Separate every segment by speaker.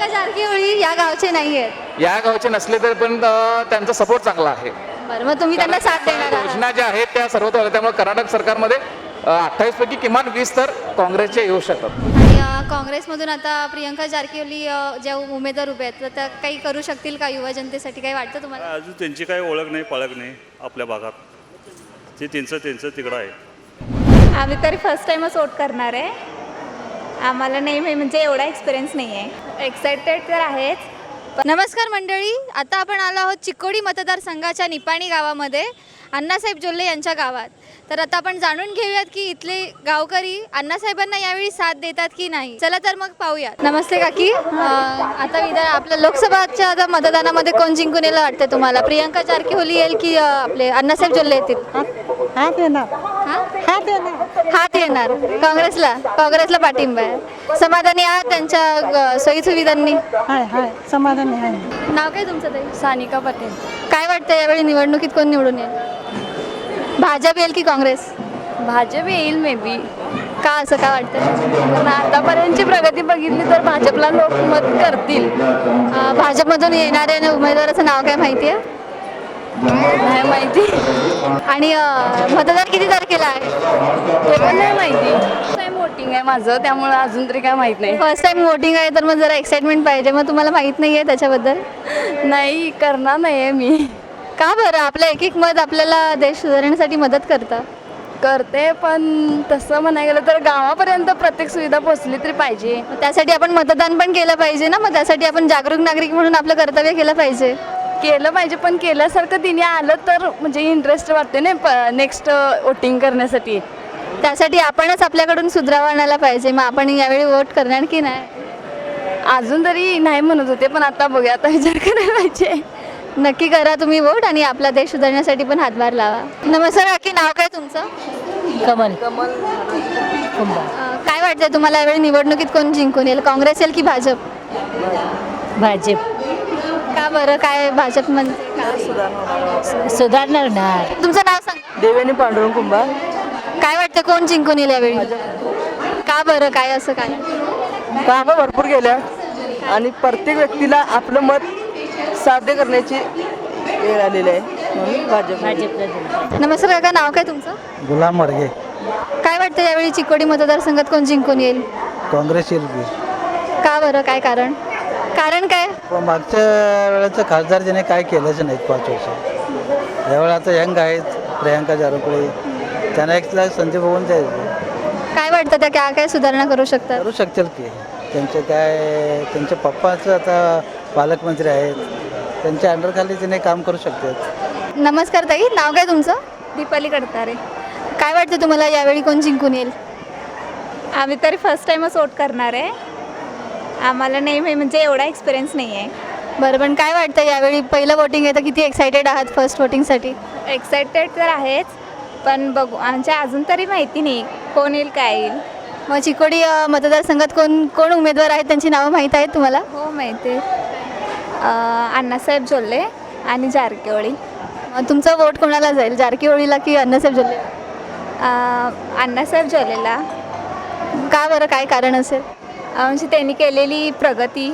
Speaker 1: प्रियंका जारकीहोळी या गावचे नाही आहेत.
Speaker 2: या गावचे नसले तरी पण त्यांचा सपोर्ट चांगला आहे.
Speaker 1: बरं, मग तुम्ही त्यांना साथ देणार आहात?
Speaker 2: योजना ज्या आहेत त्या सर्वत्र आल्या, त्यामुळे कर्नाटक सरकारमध्ये 28 पैकी किमान 20 तर काँग्रेसचे येऊ शकतात.
Speaker 1: आणि काँग्रेसमधून आता प्रियंका जारकीहोळी ज्या उमेदवार उभे आहेत तर त्या काही करू शकतील का युवा जनतेसाठी, काही वाटतं तुम्हाला?
Speaker 3: अजून त्यांची काही ओळख नाही पाळख नाही आपल्या भागात. ते त्यांचं तिकडं आहे.
Speaker 4: आम्ही तरी फर्स्ट टाईमच वोट करणार आहे. आम्हाला नाही म्हणजे एवढा एक्सपिरियन्स नाही आहे. एक्सायटेड तर आहेच.
Speaker 1: नमस्कार मंडळी, आता आपण आलो आहोत चिकोडी मतदारसंघाच्या निपाणी गावामध्ये, अण्णासाहेब जोल्ले यांच्या गावात. तर आता आपण जाणून घेऊयात की इथले गावकरी अण्णासाहेबांना यावेळी साथ देतात की नाही. चला तर मग पाहूयात. नमस्ते काकी, आता आपल्या लोकसभाच्या आता मतदानामध्ये कोण जिंकून येईल वाटतं तुम्हाला? प्रियंका जारकीहोळी येईल की आपले अण्णासाहेब जोल्ले येतील?
Speaker 5: हात येणार.
Speaker 1: हात येणार काँग्रेसला पाठिंबा आहे. समाधानी आहात त्यांच्या सोयीसुविधांनी?
Speaker 5: हाय समाधानी आहे.
Speaker 1: नाव काय तुमचं ताई?
Speaker 4: सानिका पटेल.
Speaker 1: काय वाटतं यावेळी निवडणुकीत कोण निवडून येईल? भाजप येईल की काँग्रेस?
Speaker 4: भाजप येईल मे बी.
Speaker 1: का असं का वाटतं?
Speaker 4: आतापर्यंतची प्रगती बघितली तर भाजपला लोक मत करतील.
Speaker 1: भाजपमधून येणाऱ्या उमेदवाराचं नाव काय माहिती आहे?
Speaker 4: नाही माहिती.
Speaker 1: आणि मतदान किती तारखेला आहे?
Speaker 4: ते पण नाही माहिती. टाइम वोटिंग आहे माझं, त्यामुळे अजून तरी काय माहित नाही.
Speaker 1: फर्स्ट टाइम वोटिंग आहे तर मग जरा एक्साइटमेंट पाहिजे. मग तुम्हाला माहित नाही आहे त्याच्याबद्दल?
Speaker 4: नाही करणार नाही आहे मी.
Speaker 1: का बरं? आपलं एक एक मत आपल्याला देश सुधारण्यासाठी मदत करतं.
Speaker 4: करते पण तसं म्हणायला गेलं तर गावापर्यंत प्रत्येक सुविधा पोहोचली तरी पाहिजे.
Speaker 1: मग त्यासाठी आपण मतदान पण केलं पाहिजे ना. मग त्यासाठी आपण जागरूक नागरिक म्हणून आपलं कर्तव्य केलं पाहिजे.
Speaker 4: केलं पाहिजे पण केल्यासारखं तिने आलं तर म्हणजे इंटरेस्ट वाटते ना नेक्स्ट वोटिंग करण्यासाठी.
Speaker 1: त्यासाठी आपणच आपल्याकडून सुधारावा आणायला पाहिजे. मग आपण यावेळी वोट करणार की नाही?
Speaker 4: अजून तरी नाही म्हणत होते पण आता बघूया, आता विचार करायला पाहिजे.
Speaker 1: नक्की करा तुम्ही वोट आणि आपला देश सुधारण्यासाठी पण हातभार लावा. नमस्कार काकी, नाव काय तुमचं?
Speaker 5: कमल.
Speaker 1: काय वाटतंय तुम्हाला यावेळी निवडणुकीत कोण जिंकून येईल? काँग्रेस येईल की भाजप?
Speaker 5: भाजप.
Speaker 1: का बरं? काय भाजप म्हणजे
Speaker 5: सुधारणार ना.
Speaker 1: तुमचं नाव सांगा.
Speaker 5: देवेनी पांडुरंग कुंभार.
Speaker 1: काय वाटतं कोण जिंकून येईल यावेळी? का बरं? काय असं काय?
Speaker 5: कामं भरपूर गेल्या आणि प्रत्येक व्यक्तीला आपलं मत साध्य करण्याची वेळ आलेली आहे म्हणून भाजप.
Speaker 1: नमस्कार काका, नाव काय तुमचं?
Speaker 6: गुलाम मडगे.
Speaker 1: काय वाटतं यावेळी चिकोडी मतदारसंघात कोण जिंकून येईल?
Speaker 6: काँग्रेस येईल की.
Speaker 1: का बरं? काय कारण काय?
Speaker 6: पण मागच्या वेळेचं खासदार ज्याने काय केलंच नाहीत 5 वर्ष. यावेळेला आता यंग आहेत प्रियंका जारकीहोळी, त्यांना एक संधी बघून द्यायचं.
Speaker 1: काय वाटतं त्या काय सुधारणा करू शकतात?
Speaker 6: करू शकतील की. त्यांचे पप्पाचं आता पालकमंत्री आहेत, त्यांच्या अंडरखाली त्याने काम करू शकतात.
Speaker 1: नमस्कार ताई, नाव काय तुमचं?
Speaker 4: दीपाली करतारे.
Speaker 1: काय वाटतं तुम्हाला यावेळी कोण जिंकून येईल?
Speaker 4: आम्ही तरी फर्स्ट टाईमच वोट करणार आहे. आम्हाला नाही म्हणजे एवढा एक्सपिरियन्स नाही आहे.
Speaker 1: बरं, पण काय वाटतं यावेळी पहिलं वोटिंग आहे तर किती एक्सायटेड आहात फर्स्ट वोटिंगसाठी?
Speaker 4: एक्सायटेड तर आहेच पण बघू, आमच्या अजून तरी माहिती नाही कोण येईल काय येईल.
Speaker 1: मग चिकोडी मतदारसंघात कोण उमेदवार आहेत, त्यांची नावं माहीत आहेत तुम्हाला?
Speaker 4: हो माहिती आहे. अण्णासाहेब जोल्ले आणि जारकीहोळी.
Speaker 1: मग तुमचं वोट कोणाला जाईल, जारकीहोळीला की अण्णासाहेब जोल्ले?
Speaker 4: अण्णासाहेब जोल्लेला.
Speaker 1: का बरं? काय कारण असेल?
Speaker 4: म्हणजे त्यांनी केलेली प्रगती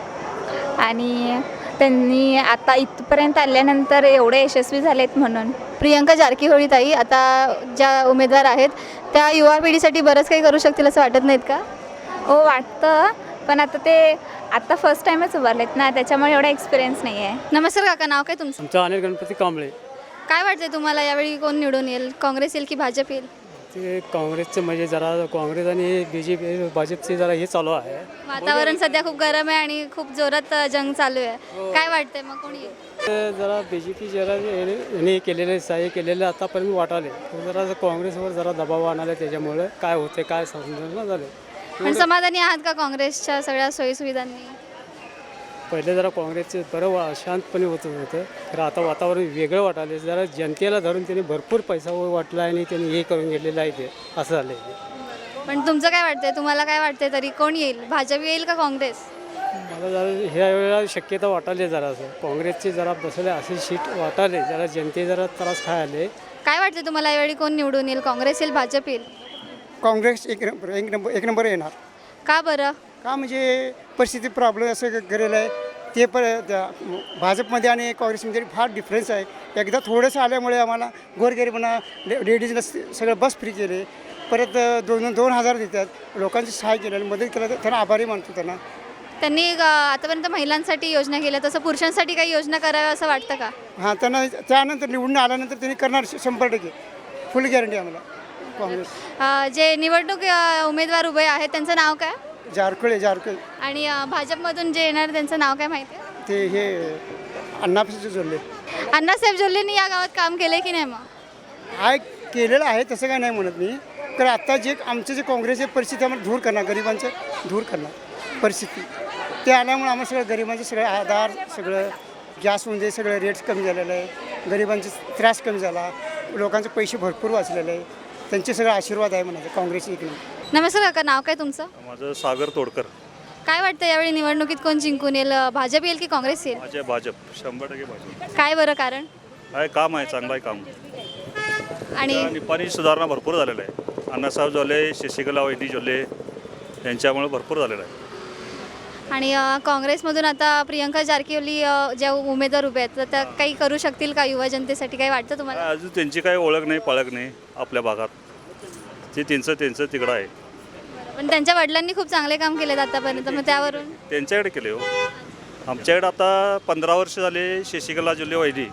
Speaker 4: आणि त्यांनी आता इथपर्यंत आल्यानंतर एवढे यशस्वी झालेत म्हणून.
Speaker 1: प्रियंका जारकीहोळी ताई आता ज्या उमेदवार आहेत त्या युवा पिढीसाठी बरंच काही करू शकतील असं वाटत नाहीत का?
Speaker 4: हो वाटतं, पण आता फर्स्ट टाईमच उभारलेत ना, त्याच्यामुळे एवढा एक्सपिरियन्स नाही आहे.
Speaker 1: नमस्कार काका, नाव काय तुमचं?
Speaker 7: आमचा अनिल गणपती कांबळे.
Speaker 1: काय वाटतंय तुम्हाला यावेळी कोण निवडून येईल? काँग्रेस येईल की भाजप येईल?
Speaker 7: ते काँग्रेसचं म्हणजे जरा काँग्रेस आणि BJP भाजपचे जरा हे चालू आहे.
Speaker 1: वातावरण सध्या खूप गरम आहे आणि खूप जोरात जंग चालू आहे. काय वाटतंय मग कोण येईल?
Speaker 7: ते जरा BJP जरा यांनी केलेले सहाय्य केलेलं आतापर्यंत वाटाले, जरा काँग्रेसवर जरा दबाव आणाले, त्याच्यामुळे काय होते काय समजणं झालं.
Speaker 1: पण समाधानी आहात का काँग्रेसच्या सगळ्या सोयीसुविधांनी?
Speaker 7: पहिले जरा काँग्रेसचे बरं शांतपणे होतं तर आता वातावरण वेगळं वाटाले. जरा जनतेला धरून त्यांनी भरपूर पैसा वाटला आणि त्यांनी हे करून घेतलेलं आहे ते असं झालं आहे.
Speaker 1: पण तुमचं काय वाटतंय? तुम्हाला काय वाटतंय तरी कोण येईल? भाजप येईल का काँग्रेस?
Speaker 7: मला जरा ह्या वेळेला शक्यता वाटाले जरा असं काँग्रेसचे जरा बसले असे सीट वाटाले, जरा जनते जरा त्रास खायले.
Speaker 1: काय वाटतं तुम्हाला यावेळी कोण निवडून येईल? काँग्रेस येईल भाजप येईल?
Speaker 8: काँग्रेस एक नंबर येणार.
Speaker 1: का बरं?
Speaker 8: का म्हणजे परिस्थिती प्रॉब्लेम असं केलेलं आहे ते भाजपमध्ये आणि काँग्रेसमध्ये फार डिफरन्स आहे. एकदा थोडंसं आल्यामुळे आम्हाला गोरगरिबांना लेडीजला सगळं बस फ्री केले, परत 2,000 देतात, लोकांची सहाय्य केलं, मदत केलं, तर त्यांना आभारी मानतो त्यांना.
Speaker 1: त्यांनी आतापर्यंत महिलांसाठी योजना केल्या, तसं पुरुषांसाठी काही योजना कराव्या असं वाटतं का?
Speaker 8: हां, त्यांना त्यानंतर निवडून आल्यानंतर त्यांनी करणार 100%, फुल गॅरंटी आम्हाला. काँग्रेस
Speaker 1: जे निवडणूक उमेदवार उभे आहेत त्यांचं नाव काय?
Speaker 8: जारकुळे
Speaker 1: आणि भाजपमधून जे येणार त्यांचं नाव काय माहिती आहे?
Speaker 8: ते हे अण्णापासून जोडले
Speaker 1: अण्णासाहेब जोल्लेंनी या गावात काम केले की नाही? मग
Speaker 8: आहे, केलेलं आहे, तसं काय नाही म्हणत मी. तर आत्ता जे आमचं जे काँग्रेसची परिस्थिती आम्हाला दूर करणार, गरिबांचं दूर करणार परिस्थिती, ते आल्यामुळे आम्हाला सगळं गरिबांचं सगळं आधार, सगळं गॅसमध्ये सगळं रेट्स कमी झालेलं आहे, गरिबांचा त्रास कमी झाला, लोकांचे पैसे भरपूर वाचलेले आहे, त्यांचे सगळं आशीर्वाद आहे म्हणायचं काँग्रेसची इकडे.
Speaker 1: नमस्कार काका, नाव काय तुमचं?
Speaker 3: माझं सागर तोडकर.
Speaker 1: काय वाटतं यावेळी निवडणुकीत कोण जिंकून येईल? भाजप येईल की काँग्रेस येईल?
Speaker 3: माझे भाजप, 100% भाजप.
Speaker 1: काय बरं कारण?
Speaker 3: आहे काम आहे, चांगलं आहे काम.
Speaker 1: आणि
Speaker 3: निपाणी सुधारणा भरपूर झालेलं आहे. अण्णासाहेब जोल्ले, शशिकला वैदी जोल्ले यांच्यामुळे भरपूर झालेलं आहे.
Speaker 1: आणि काँग्रेसमधून आता प्रियंका जारकिहोली ज्या उमेदवार उभे आहेत तर त्या काही करू शकतील का युवा जनतेसाठी? काही वाटतं तुम्हाला?
Speaker 3: अजून त्यांची काही ओळख नाही, पाळख नाही आपल्या भागात. ते त्यांचं तिकडं आहे.
Speaker 1: पण त्यांच्या वडिलांनी खूप चांगले काम केलेत आतापर्यंत, मग त्यावरून
Speaker 3: त्यांच्याकडे केले हो. आमच्याकडे आता 15 वर्ष झाले शशिकला जोल्ले वैदी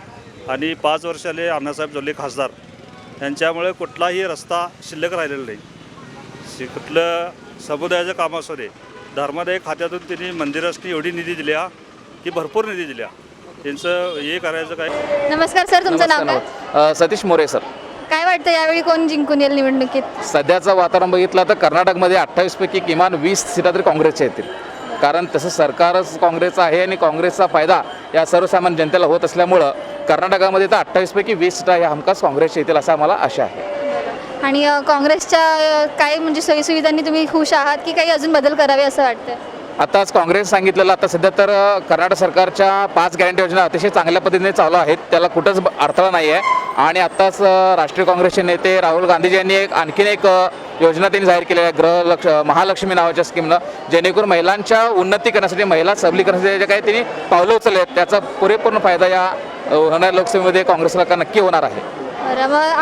Speaker 3: आणि 5 वर्ष झाले अण्णासाहेब जोल्ले खासदार. त्यांच्यामुळे कुठलाही रस्ता शिल्लक राहिलेला नाही. कुठलं समुदायाचं काम असू दे, धर्मादाय खात्यातून त्यांनी मंदिरासाठी एवढी निधी दिल्या की भरपूर निधी दिल्या. त्यांचं हे करायचं काय.
Speaker 1: नमस्कार सर, तुमचं नाव काय?
Speaker 2: सतीश मोरे सर.
Speaker 1: काय वाटतं यावेळी कोण जिंकून येईल निवडणुकीत?
Speaker 2: सध्याचं वातावरण बघितलं तर कर्नाटकमध्ये 28 पैकी किमान 20 सीटा तरी काँग्रेसच्या येतील. कारण तसं सरकारच काँग्रेसचं आहे आणि काँग्रेसचा फायदा या सर्वसामान्य जनतेला होत असल्यामुळं कर्नाटकामध्ये तर 28 पैकी 20 सीटा ह्या हमखास काँग्रेसच्या येतील असं आम्हाला आशा आहे.
Speaker 1: आणि काँग्रेसच्या काय म्हणजे सोयीसुविधांनी तुम्ही खुश आहात की काही अजून बदल करावे असं वाटतं?
Speaker 2: आताच काँग्रेस सांगितलेलं, आता सध्या तर कर्नाटक सरकारच्या 5 गॅरंटी योजना अतिशय चांगल्या पद्धतीने चालू आहेत, त्याला कुठंच अडथळा नाही आहे. आणि आत्ताच राष्ट्रीय काँग्रेसचे नेते राहुल गांधीजी यांनी आणखीन एक योजना त्यांनी जाहीर केली आहे, महालक्ष्मी नावाच्या स्कीमनं, जेणेकरून महिलांच्या उन्नती करण्यासाठी, महिला सबलीकरणासाठी जे काही त्यांनी पावलं उचलले आहेत त्याचा पुरेपूर्ण फायदा या होणाऱ्या लोकसभेमध्ये काँग्रेसला नक्की होणार आहे.
Speaker 1: बरं, मग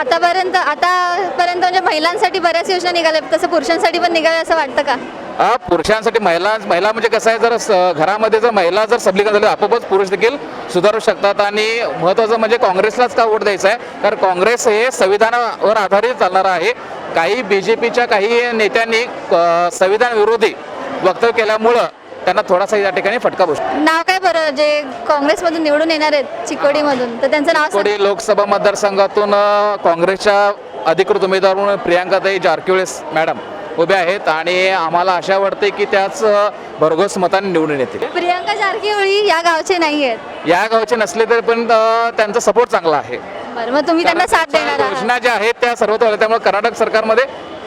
Speaker 1: आतापर्यंत म्हणजे महिलांसाठी बऱ्याच योजना निघाल्या, तसं पुरुषांसाठी पण निघावे असं वाटतं का?
Speaker 2: पुरुषांसाठी महिला म्हणजे कसं आहे, जर घरामध्ये जर महिला जर सबलीकरण झाली आपोआपच पुरुष देखील सुधारू शकतात. आणि महत्त्वाचं म्हणजे काँग्रेसलाच का वोट द्यायचा आहे, कारण काँग्रेस हे संविधानावर आधारित चालणारं आहे. काही BJPच्या काही नेत्यांनी संविधान विरोधी वक्तव्य केल्यामुळं त्यांना थोडासा या ठिकाणी फटका बसतो.
Speaker 1: नाव काय बरं जे काँग्रेसमधून निवडून येणार आहेत चिकोडीमधून, तर त्यांचं नाव सांगा.
Speaker 2: चिकोडी लोकसभा मतदारसंघातून काँग्रेसच्या अधिकृत उमेदवार म्हणून प्रियंकाताई जारकिहोली मॅडम उभे आहेत आणि आम्हाला आशा वाटते की त्याच भरघोस मताने निवडून येतील.
Speaker 1: प्रियंका जारकिहोली या गावचे नाही आहेत,
Speaker 2: या गावचे नसले तरी पण त्यांचा सपोर्ट चांगला आहे.
Speaker 1: बरं, मग तुम्ही त्यांना साथ देणार आहात?
Speaker 2: योजना ज्या आहेत त्या सर्वत्र आल्या, त्यामुळे कर्नाटक सरकारमध्ये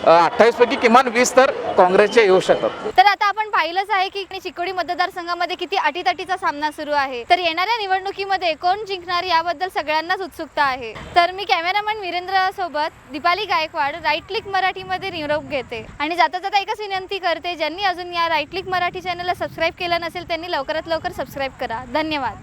Speaker 2: 28 पैकी किमान 20 तर काँग्रेसचे येऊ शकतात.
Speaker 1: तर आता आपण पाहिलंच आहे की चिकोडी मतदारसंघामध्ये किती अटीतटीचा सामना सुरू आहे. तर येणाऱ्या निवडणुकीमध्ये कोण जिंकणार याबद्दल सगळ्यांनाच उत्सुकता आहे. तर मी कॅमेरामॅन वीरेंद्र सोबत दीपाली गायकवाड, राईट क्लिक मराठीमध्ये निरोप घेते. आणि जाता जाता एकच विनंती करते, ज्यांनी अजून या राईट क्लिक मराठी चॅनलला सबस्क्राईब केलं नसेल त्यांनी लवकरात लवकर सबस्क्राईब करा. धन्यवाद.